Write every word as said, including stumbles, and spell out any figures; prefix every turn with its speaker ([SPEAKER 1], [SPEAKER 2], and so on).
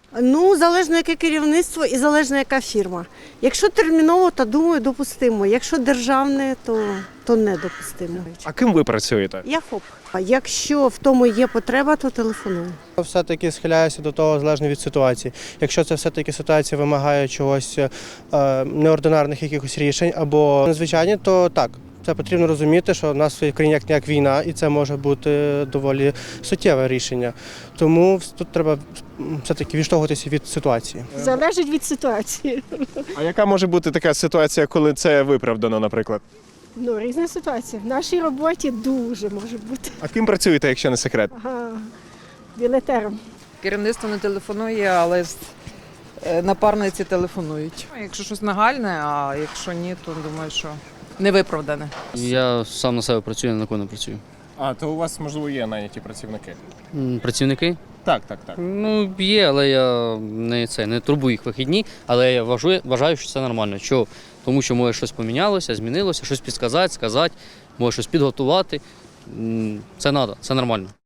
[SPEAKER 1] Ну, залежно яке керівництво і залежно яка фірма. Якщо терміново, то думаю, допустимо. Якщо державне, то, то недопустимо.
[SPEAKER 2] А ким ви працюєте?
[SPEAKER 1] Я ФОП. А якщо в тому є потреба, то телефоную.
[SPEAKER 3] Все-таки схиляюся до того залежно від ситуації. Якщо це все-таки ситуація вимагає чогось е, неординарних якихось рішень або незвичайні, то так. Це потрібно розуміти, що в нас в країні як ніяк війна, і це може бути доволі суттєве рішення. Тому тут треба все-таки відштовхуватися від ситуації.
[SPEAKER 4] Залежить від ситуації.
[SPEAKER 2] А яка може бути така ситуація, коли це виправдано, наприклад?
[SPEAKER 4] Ну, різна ситуація. В нашій роботі дуже може бути.
[SPEAKER 2] А ким працюєте, якщо не секрет?
[SPEAKER 4] Ага, білетером.
[SPEAKER 5] Керівництво не телефонує, але з- е, напарниці телефонують. Якщо щось нагальне, а якщо ні, то думаю, що не виправдане.
[SPEAKER 6] Я сам на себе працюю, на кого не працюю.
[SPEAKER 2] А, то у вас, можливо, є найняті працівники?
[SPEAKER 6] М, Працівники?
[SPEAKER 2] Так, так, так.
[SPEAKER 6] Ну, є, але я не, це, не турбую їх вихідні, але я вважаю, вважаю, що це нормально. Чого? Тому що може щось помінялося, змінилося, щось підказати, сказати, може щось підготувати. М, Це треба, це нормально.